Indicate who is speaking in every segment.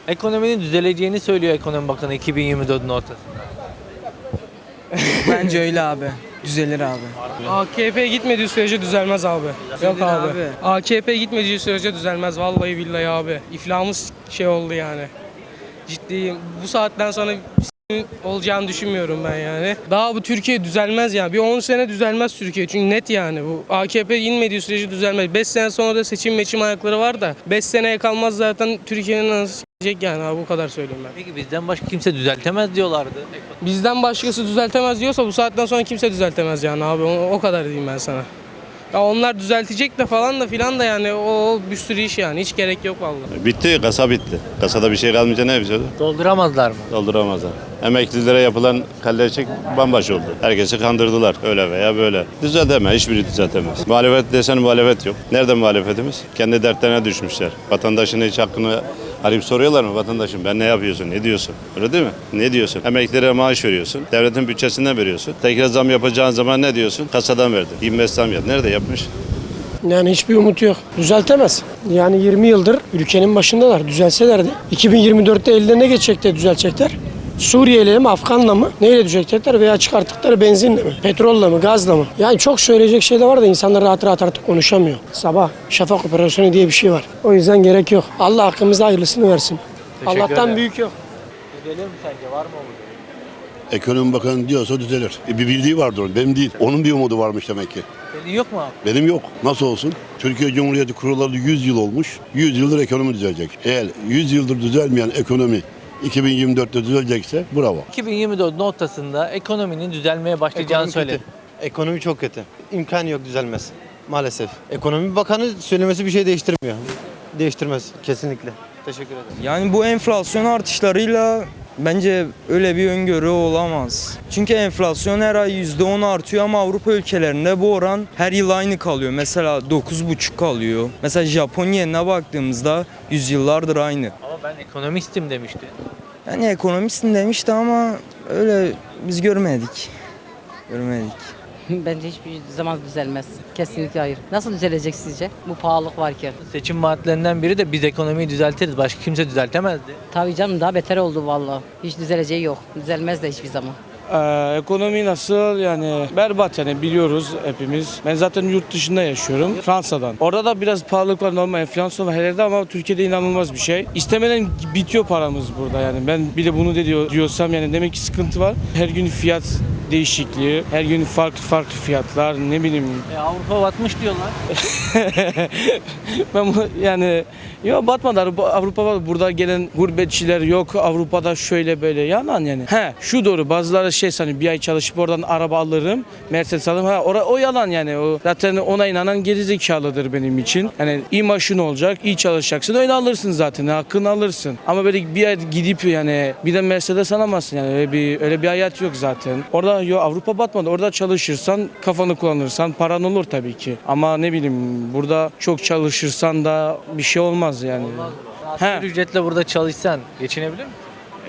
Speaker 1: Ekonominin düzeleceğini söylüyor Ekonomi Bakanı 2024'ün ortasında.
Speaker 2: Bence öyle abi. Düzelir abi.
Speaker 3: AKP gitmediği sürece düzelmez abi. Yok abi. AKP gitmediği sürece düzelmez. Vallahi billahi abi. İflahımız oldu yani. Ciddiyim. Bu saatten sonra olacağını düşünmüyorum ben yani. Daha bu Türkiye düzelmez yani. Bir 10 sene düzelmez Türkiye. Çünkü net yani bu. AKP inmediği sürece düzelmez. 5 sene sonra da seçim ayakları var da 5 seneye kalmaz zaten Türkiye'nin nasıl yani abi, bu kadar söyleyeyim ben.
Speaker 1: Peki bizden başka kimse düzeltemez diyorlardı.
Speaker 3: Bizden başkası düzeltemez diyorsa bu saatten sonra kimse düzeltemez yani abi. O kadar diyeyim ben sana. Ya onlar düzeltecek de falan da filan da yani o bir sürü iş yani. Hiç gerek yok vallahi.
Speaker 4: Bitti, kasa bitti. Kasada bir şey kalmayınca ne yapacağız?
Speaker 1: Dolduramazlar mı?
Speaker 4: Dolduramazlar. Emeklilere yapılan kalleşlik bambaşka oldu. Herkesi kandırdılar öyle veya böyle. Düzeltemez, hiçbiri düzeltemez. Muhalefet desen muhalefet yok. Nerede muhalefetimiz? Kendi dertlerine düşmüşler. Vatandaşın hiç hakkını arayıp soruyorlar mı vatandaşım? Ben ne yapıyorsun, ne diyorsun? Öyle değil mi? Ne diyorsun? Emeklilere maaş veriyorsun. Devletin bütçesinden veriyorsun. Tekrar zam yapacağın zaman ne diyorsun? Kasadan verdin. 25 zam yap. Nerede yapmış?
Speaker 5: Yani hiçbir umut yok. Düzeltemez. Yani 20 yıldır ülkenin başındalar. Düzelselerdi. 2024'te ellerine geçecekler, düzeltecekler. Suriye'yle mi, Afgan'la mı? Neyle düzeltecekler veya çıkarttıkları benzinle mi? Petrolle mi, gazla mı? Yani çok söyleyecek şey de var da insanlar rahat rahat artık konuşamıyor. Sabah şafak operasyonu diye bir şey var. O yüzden gerek yok. Allah hakkımızda hayırlısını versin.
Speaker 1: Teşekkür
Speaker 5: Allah'tan
Speaker 1: ederim.
Speaker 5: büyük yok.
Speaker 1: Düzelir mi sence? Var mı umut?
Speaker 6: Ekonomi Bakanı diyorsa düzelir. Bir bildiği vardır onun, benim değil. Onun bir umudu varmış demek ki.
Speaker 1: Senin yok mu abi?
Speaker 6: Benim yok. Nasıl olsun? Türkiye Cumhuriyeti kurulalı 100 yıl olmuş. 100 yıldır ekonomi düzelecek. Eğer 100 yıldır düzelmeyen ekonomi 2024'te düzelecekse bravo.
Speaker 1: 2024'ün ortasında ekonominin düzelmeye başlayacağını
Speaker 7: Ekonomi
Speaker 1: söyledi.
Speaker 7: kötü. Ekonomi çok kötü. İmkan yok düzelmez. Maalesef. Ekonomi Bakanı söylemesi bir şey değiştirmiyor. Değiştirmez kesinlikle. Teşekkür ederim.
Speaker 2: Yani bu enflasyon artışlarıyla bence öyle bir öngörü olamaz. Çünkü enflasyon her ay %10 artıyor ama Avrupa ülkelerinde bu oran her yıl aynı kalıyor. Mesela 9,5 kalıyor. Mesela Japonya'ya baktığımızda yüzyıllardır aynı.
Speaker 1: Ama ben ekonomistim demişti.
Speaker 2: Yani ekonomistin demişti ama öyle biz görmedik. Görmedik.
Speaker 8: Bence hiçbir zaman düzelmez. Kesinlikle hayır. Nasıl düzelecek sizce? Bu pahalılık varken.
Speaker 1: Seçim vaatlerinden biri de biz ekonomiyi düzeltiriz. Başka kimse düzeltemezdi.
Speaker 8: Tabii canım daha beter oldu vallahi. Hiç düzeleceği yok. Düzelmez de hiçbir zaman.
Speaker 5: Ekonomi nasıl yani berbat yani biliyoruz hepimiz. Ben zaten yurt dışında yaşıyorum. Fransa'dan. Orada da biraz pahalılık var, normal enflasyon var her yerde ama Türkiye'de inanılmaz bir şey. İstemeden bitiyor paramız burada yani. Ben bile bunu diyorsam yani demek ki sıkıntı var. Her gün fiyat değişikliği, her gün farklı fiyatlar, ne bileyim.
Speaker 1: Avrupa batmış diyorlar.
Speaker 5: Ben yani yok batmadı. Avrupa burada gelen gurbetçiler yok. Avrupa'da şöyle böyle yalan yani. Şu doğru, bazıları sanıyor bir ay çalışıp oradan araba alırım, Mercedes alırım. O yalan yani. O zaten ona inanan gerizekalıdır benim için. Yani iyi maşın olacak, iyi çalışacaksın. Öyle alırsın zaten. Hakkını alırsın. Ama böyle bir ay gidip yani bir de Mercedes alamazsın yani. Öyle bir hayat yok zaten. Orada yok, Avrupa batmadı. Orada çalışırsan, kafanı kullanırsan paran olur tabii ki. Ama ne bileyim burada çok çalışırsan da bir şey olmaz yani.
Speaker 1: Asgari ücretle burada çalışsan geçinebilir misin?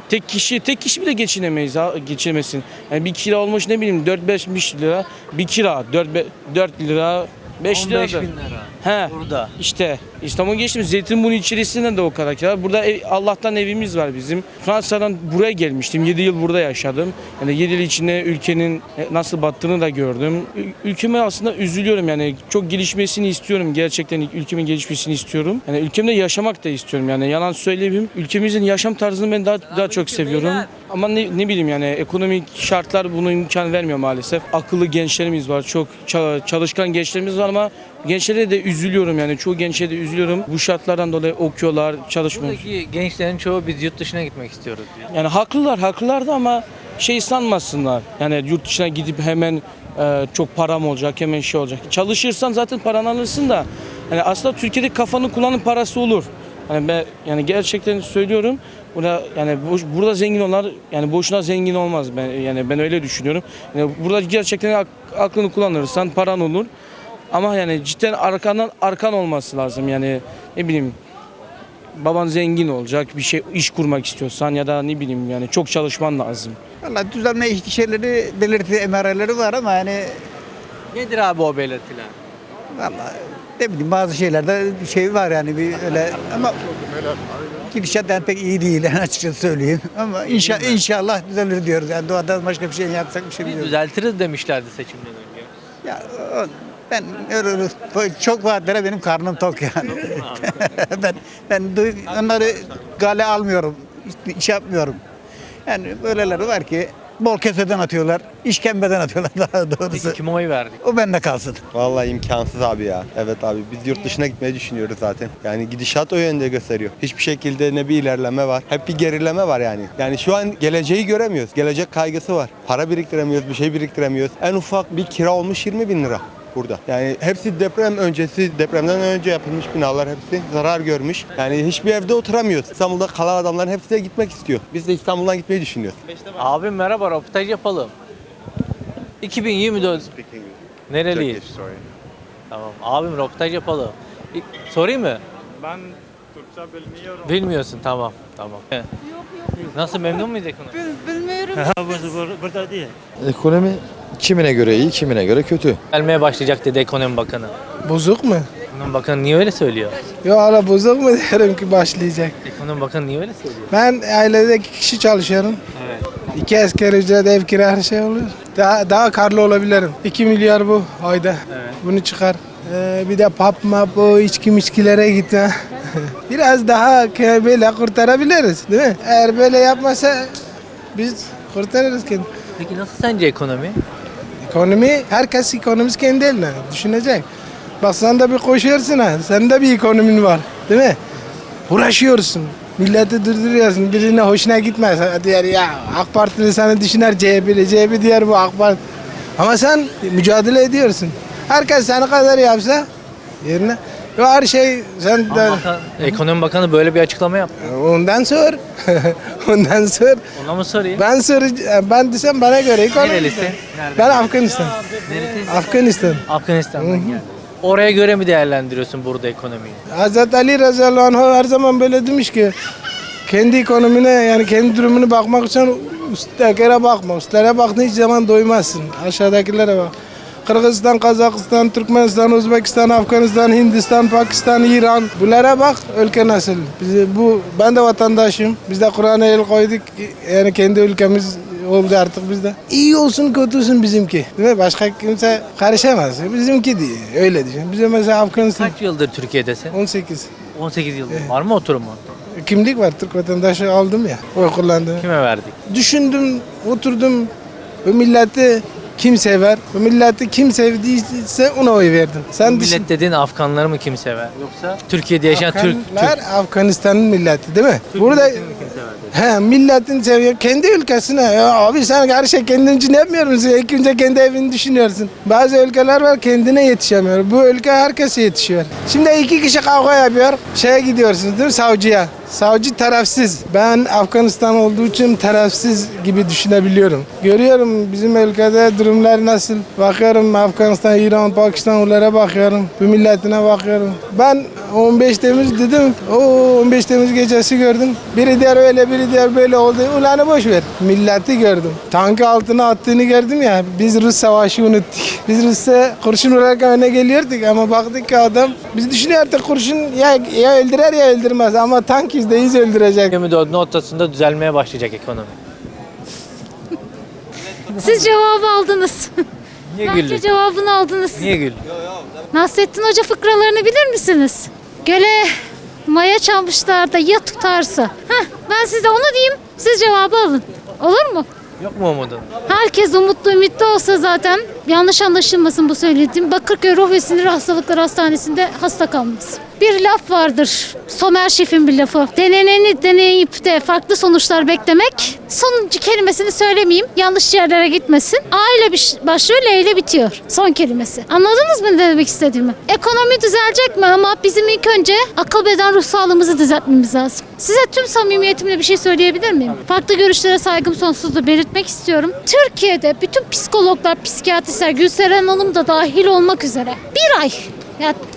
Speaker 5: Tek kişi bile geçinemezsin. Yani bir kira olmuş ne bileyim 4-5 lira bir kira 4 lira 5 lira.
Speaker 1: 15 bin lira. Burada.
Speaker 5: İşte İstanbul geçtim. Zeytinburnu içerisinden de o kadar kira. Burada Allah'tan evimiz var bizim. Fransa'dan buraya gelmiştim. 7 yıl burada yaşadım. Yani 7 yıl içinde ülkenin nasıl battığını da gördüm. Ülkeme aslında üzülüyorum yani. Çok gelişmesini istiyorum. Gerçekten ülkemin gelişmesini istiyorum. Yani ülkemde yaşamak da istiyorum yani. Yalan söyleyeyim. Ülkemizin yaşam tarzını ben daha çok seviyorum. Ama ne bileyim yani ekonomik şartlar bunu imkan vermiyor maalesef. Akıllı gençlerimiz var. Çok çalışkan gençlerimiz var ama gençlere de üzülüyorum yani. Çoğu gençlere de üzülüyorum. Bu şartlardan dolayı okuyorlar, çalışmıyor.
Speaker 1: Buradaki gençlerin çoğu biz yurt dışına gitmek istiyoruz diyor.
Speaker 5: Yani haklılar da ama sanmasınlar. Yani yurt dışına gidip hemen çok param olacak, hemen şey olacak. Çalışırsan zaten paranı alırsın da. Yani aslında Türkiye'de kafanı kullanın parası olur. Yani ben gerçekten söylüyorum. Burada zengin olanlar yani boşuna zengin olmaz. Ben öyle düşünüyorum. Yani burada gerçekten aklını kullanırsan paran olur. Ama yani cidden arkan olması lazım yani ne bileyim baban zengin olacak bir şey iş kurmak istiyorsan ya da ne bileyim yani çok çalışman lazım.
Speaker 9: Valla düzelme şeyleri belirti emareleri var ama yani
Speaker 1: Nedir abi o belirtiler?
Speaker 9: valla ne bileyim bazı şeylerde şey var yani bir öyle ama Gidişat yani pek iyi değil yani açıkçası söyleyeyim. Ama inşallah düzelir diyoruz. Yani doğadan başka bir şey yapsak bir şey
Speaker 1: Biz
Speaker 9: biliyoruz.
Speaker 1: düzeltiriz demişlerdi seçimden önce.
Speaker 9: Ya, ben öyle çok vaatlere benim karnım tok yani. Onları gale almıyorum. İş yapmıyorum. Yani böyleleri var ki bol keseden atıyorlar, işkembeden atıyorlar daha doğrusu.
Speaker 1: Peki kime oy verdik?
Speaker 9: O bende kalsın.
Speaker 7: Vallahi imkansız abi ya. Evet abi biz yurt dışına gitmeyi düşünüyoruz zaten. Yani gidişat o yönde gösteriyor. Hiçbir şekilde ne bir ilerleme var. Hep bir gerileme var yani. Yani şu an geleceği göremiyoruz. Gelecek kaygısı var. Para biriktiremiyoruz, bir şey biriktiremiyoruz. En ufak bir kira olmuş 20 bin lira burada. Yani hepsi deprem öncesi, depremden önce yapılmış binalar hepsi zarar görmüş. Yani hiçbir evde oturamıyoruz. İstanbul'da kalan adamların hepsi de gitmek istiyor. Biz de İstanbul'dan gitmeyi düşünüyoruz.
Speaker 1: Abim merhaba, röportaj yapalım. 2024. Nereliyiz? Tamam. Abim röportaj yapalım. Sorayım mı?
Speaker 10: Ben Türkçe bilmiyorum.
Speaker 1: Bilmiyorsun, tamam. Tamam. Nasıl, memnun muyuz ekonomi?
Speaker 10: Burada değil.
Speaker 11: Ekonomi kimine göre iyi, kimine göre kötü.
Speaker 1: Gelmeye başlayacak dedi ekonomi bakanı.
Speaker 3: Bozuk mu?
Speaker 1: Ekonomi bakanı niye öyle söylüyor?
Speaker 3: Yo hala bozuk mu derim ki başlayacak.
Speaker 1: Ekonomi bakanı niye öyle söylüyor?
Speaker 3: Ben ailede 2 kişi çalışıyorum.
Speaker 1: Evet.
Speaker 3: 2 asgari ücret, ev kira her şey oluyor. Daha karlı olabilirim. 2 milyar bu ayda.
Speaker 1: Evet.
Speaker 3: Bunu çıkar. Bir de pap map o içkilere gitme. Biraz daha böyle kurtarabiliriz değil mi? Eğer böyle yapmasa biz kurtarırız kendini.
Speaker 1: Peki nasıl sence ekonomi?
Speaker 3: Ekonomi, herkes ekonomisi kendi eline düşünecek. Bak sen de bir koşuyorsun ha, senin de bir ekonomin var değil mi? Uğraşıyorsun, milleti durduruyorsun, birine hoşuna gitmez. Diğer ya AK Partili sana düşüner, CHP diğer bu AK Parti. Ama sen mücadele ediyorsun. Herkes seni kadar yapsa yerine. Her şey sen de...
Speaker 1: Ekonomi bakanı böyle bir açıklama yaptı.
Speaker 3: Ondan sor. Ondan sor.
Speaker 1: Ona mı sorayım?
Speaker 3: Ben desem bana göre ekonomi.
Speaker 1: Nerelisin?
Speaker 3: Ben Afganistan.
Speaker 1: Neresi?
Speaker 3: Afganistan.
Speaker 1: Afganistan'dan geldi. Oraya göre mi değerlendiriyorsun burada ekonomiyi?
Speaker 3: Hazreti Ali radıyallahu anh her zaman böyle demiş ki kendi ekonomine yani kendi durumunu bakmak için üsttekilere bakma. Üstlere baktığın hiç zaman doymazsın. Aşağıdakilere bak. Kırgızistan, Kazakistan, Türkmenistan, Özbekistan, Afganistan, Hindistan, Pakistan, İran. Bunlara bak ülke nasıl. Ben de vatandaşım. Biz de Kur'an'a el koyduk. Yani kendi ülkemiz oldu artık bizde. İyi olsun kötü olsun bizimki. Değil mi? Başka kimse karışamaz. Bizimki değil. Öyle düşün. Bize mesela Afganistan.
Speaker 1: Kaç yıldır Türkiye'desin?
Speaker 3: 18.
Speaker 1: 18 yıldır. Var mı oturumu?
Speaker 3: Kimlik var. Türk vatandaşı aldım ya. Oy kullandım.
Speaker 1: Kime verdik?
Speaker 3: Düşündüm, oturdum. Bu milleti kim sever? Bu milleti kim sevdiyse ona oy verdim. Sen
Speaker 1: Bu millet dediğin Afganları mı kim sever? Yoksa Türkiye'de yaşayan Türk
Speaker 3: Afganistan'ın milleti değil mi?
Speaker 1: Türk
Speaker 3: Burada
Speaker 1: milletini kim sever?
Speaker 3: milletin seviyor. Kendi ülkesine. Ya abi sen her şey kendin için yapmıyor musun? İlk önce kendi evini düşünüyorsun. Bazı ülkeler var kendine yetişemiyor. Bu ülke herkese yetişiyor. Şimdi 2 kişi kavga yapıyor. Şeye gidiyorsunuz değil mi? Savcıya. Savcı tarafsız. Ben Afganistan olduğu için tarafsız gibi düşünebiliyorum. Görüyorum bizim ülkede durumlar nasıl. Bakıyorum Afganistan, İran, Pakistan onlara bakıyorum. Bu milletine bakıyorum. Ben 15 Temmuz dedim. O 15 Temmuz gecesi gördüm. Biri diğer öyle, biri diğer böyle oldu. Ulanı boş ver. Milleti gördüm. Tankı altına attığını gördüm ya. Biz Rus savaşı unuttuk. Biz Rus'a kurşun vurarken öne geliyorduk ama baktık ki adam biz düşünüyorduk kurşun ya öldürer ya öldürmez ama tank %100 öldürecek.
Speaker 1: 24 noktasında düzelmeye başlayacak ekonomi.
Speaker 12: Siz cevabı aldınız.
Speaker 1: Niye
Speaker 12: Bence
Speaker 1: güldün?
Speaker 12: cevabını aldınız.
Speaker 1: Niye güldün?
Speaker 12: Nasrettin Hoca fıkralarını bilir misiniz? Göle maya çalmışlar da ya tutarsa. Ben size onu diyeyim, siz cevabı alın. Olur mu?
Speaker 1: Yok mu umudun?
Speaker 12: Herkes umutlu ümitli olsa zaten yanlış anlaşılmasın bu söylediğim. Bakırköy Ruh ve Sinir Hastalıkları Hastanesi'nde hasta kalmaz. Bir laf vardır. Somer Şef'in bir lafı. Deneneni deneyip de farklı sonuçlar beklemek. Sonuncu kelimesini söylemeyeyim. Yanlış yerlere gitmesin. A ile başlıyor, L ile bitiyor. Son kelimesi. Anladınız mı ne demek istediğimi? Ekonomi düzelecek mi ama bizim ilk önce akıl beden ruh sağlığımızı düzeltmemiz lazım. Size tüm samimiyetimle bir şey söyleyebilir miyim? Farklı görüşlere saygım sonsuzdur belirtmek istiyorum. Türkiye'de bütün psikologlar, psikiyatristler, Gülseren Hanım da dahil olmak üzere bir ay ya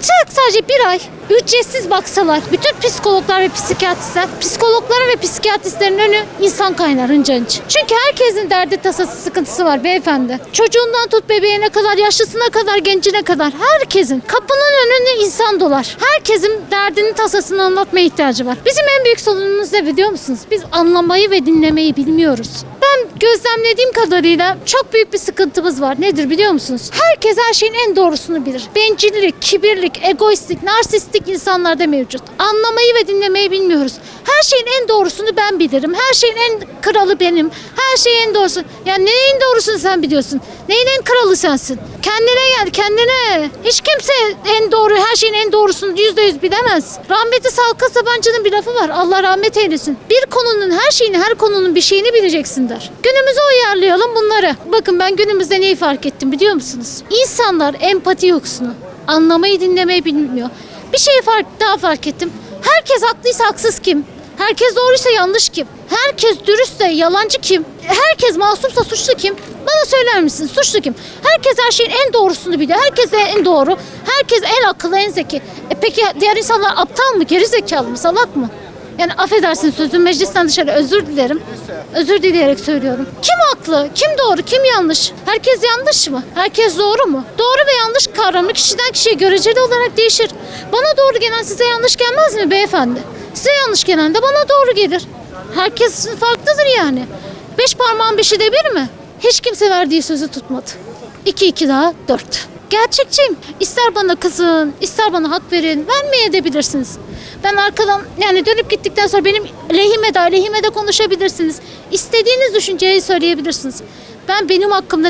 Speaker 12: Sadece bir ay ücretsiz baksalar bütün psikologlar ve psikiyatristler, psikologların ve psikiyatristlerin önü insan kaynar hınca hınç. Çünkü herkesin derdi tasası sıkıntısı var beyefendi. Çocuğundan tut bebeğine kadar, yaşlısına kadar, gencine kadar herkesin kapının önünde insan dolar. Herkesin derdini tasasını anlatmaya ihtiyacı var. Bizim en büyük sorunumuz ne biliyor musunuz? Biz anlamayı ve dinlemeyi bilmiyoruz. Ben gözlemlediğim kadarıyla çok büyük bir sıkıntımız var. Nedir biliyor musunuz? Herkes her şeyin en doğrusunu bilir. Bencillik, kibirlik, egoistlik, narsistik insanlarda mevcut. Anlamayı ve dinlemeyi bilmiyoruz. Her şeyin en doğrusunu ben bilirim. Her şeyin en kralı benim. Her şeyin en doğrusu. Ya neyin doğrusunu sen biliyorsun? Neyin en kralı sensin? Kendine gel, kendine. Hiç kimse en doğru, her şeyin en doğrusunu %100 bilemez. Rahmetli Salka Sabancı'nın bir lafı var. Allah rahmet eylesin. Bir konunun her şeyini, her konunun bir şeyini bileceksin der. Günümüze uyarlayalım bunları. Bakın ben günümüzde neyi fark ettim biliyor musunuz? İnsanlar empati yoksunu. Anlamayı, dinlemeyi bilmiyor. Bir şeyi daha fark ettim. Herkes haklıysa haksız kim? Herkes doğruysa yanlış kim? Herkes dürüstse yalancı kim? Herkes masumsa suçlu kim? Bana söyler misin? Suçlu kim? Herkes her şeyin en doğrusunu biliyor. Herkes en doğru. Herkes en akıllı, en zeki. Peki diğer insanlar aptal mı? Geri zekalı mı? Salak mı? Yani affedersin sözüm meclisten dışarı özür dilerim. Özür dileyerek söylüyorum. Kim haklı? Kim doğru? Kim yanlış? Herkes yanlış mı? Herkes doğru mu? Doğru ve yanlış kavramı kişiden kişiye göreceli olarak değişir. Bana doğru gelen size yanlış gelmez mi beyefendi? Size yanlış gelen de bana doğru gelir. Herkes farklıdır yani. 5 parmağın 5'i de bir mi? Hiç kimse verdiği sözü tutmadı. 2 daha 4. Gerçekçiyim. İster bana kızın, ister bana hak verin. Vermeyebilirsiniz. Ben arkadan yani dönüp gittikten sonra benim lehime de konuşabilirsiniz. İstediğiniz düşünceyi söyleyebilirsiniz. Ben benim hakkımda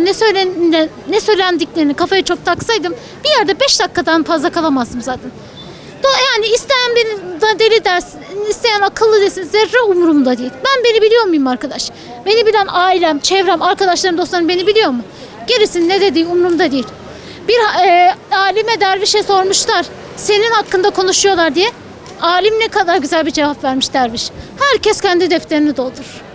Speaker 12: ne söylendiklerini kafaya çok taksaydım bir yerde 5 dakikadan fazla kalamazdım zaten. Yani isteyen beni deli dersin, isteyen akıllı desin, zerre umurumda değil. Beni biliyor muyum arkadaş? Beni bilen ailem, çevrem, arkadaşlarım, dostlarım beni biliyor mu? Gerisinin ne dediği umurumda değil. Bir alime dervişe sormuşlar, senin hakkında konuşuyorlar diye. Alim ne kadar güzel bir cevap vermiş derviş. Herkes kendi defterini doldur.